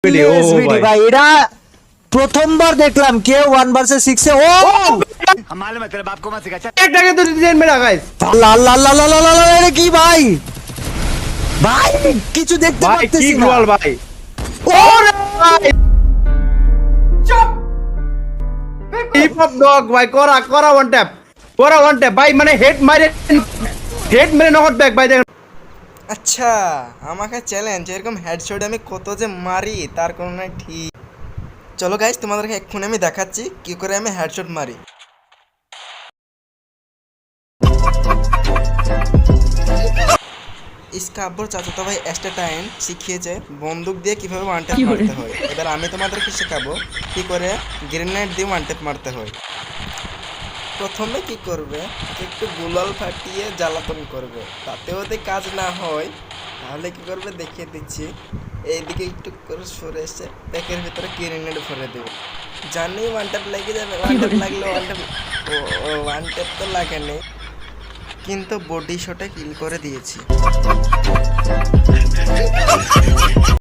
SBD ভাই এটা প্রথমবার দেখলাম কেউ 1 ভার্সেস 6 এ ও मालूम है तेरे बाप को मत सिखा चल। একটাকে তো ডিজাইন মেরা গাইস আল্লাহ আল্লাহ আল্লাহ আল্লাহ আল্লাহ, আল্লাহ, এটা কি ভাই ভাই কিছু দেখতে ভাই কি পাচ্ছি না গোল ভাই ওরে হিপ হপ ডগ ভাই করা ওয়ান ট্যাপ ভাই মানে হেড মেরে নট ব্যাক ভাই দেখেন আচ্ছা আমাকে চ্যালেঞ্জ এরকম হেডশট আমি কত যে মারি তার কোনো নাই ঠিক। চলো গাইস তোমাদেরকে এক্ষুনি আমি দেখাচ্ছি কি করে আমি হেডশট মারি। ইসকাব্বর চাচাতো ভাই এস্টাটাইন শিখিয়েছে বন্দুক দিয়ে কিভাবে ওয়ান ট্যাপ মারতে হয়। এবার আমি তোমাদেরকে শেখাবো কি করে গ্রেনেড দিয়ে ওয়ান ট্যাপ মারতে হয়। প্রথমে কি করবে একটু গুলাল ফাটিয়ে জ্বালাতন করবে, তাতেও যদি কাজ না হয় তাহলে কি করবে দেখিয়ে দিচ্ছি। এইদিকে একটু করে সরে এসে প্যাকের ভিতরে গ্রেনেড ভরে দেবে। জানি ওয়ান ট্যাপ লেগে যাবে, ওয়ান ট্যাপ লাগলে ওয়ান ট্যাপ তো লাগেনি কিন্তু বডি শটে কিল করে দিয়েছি।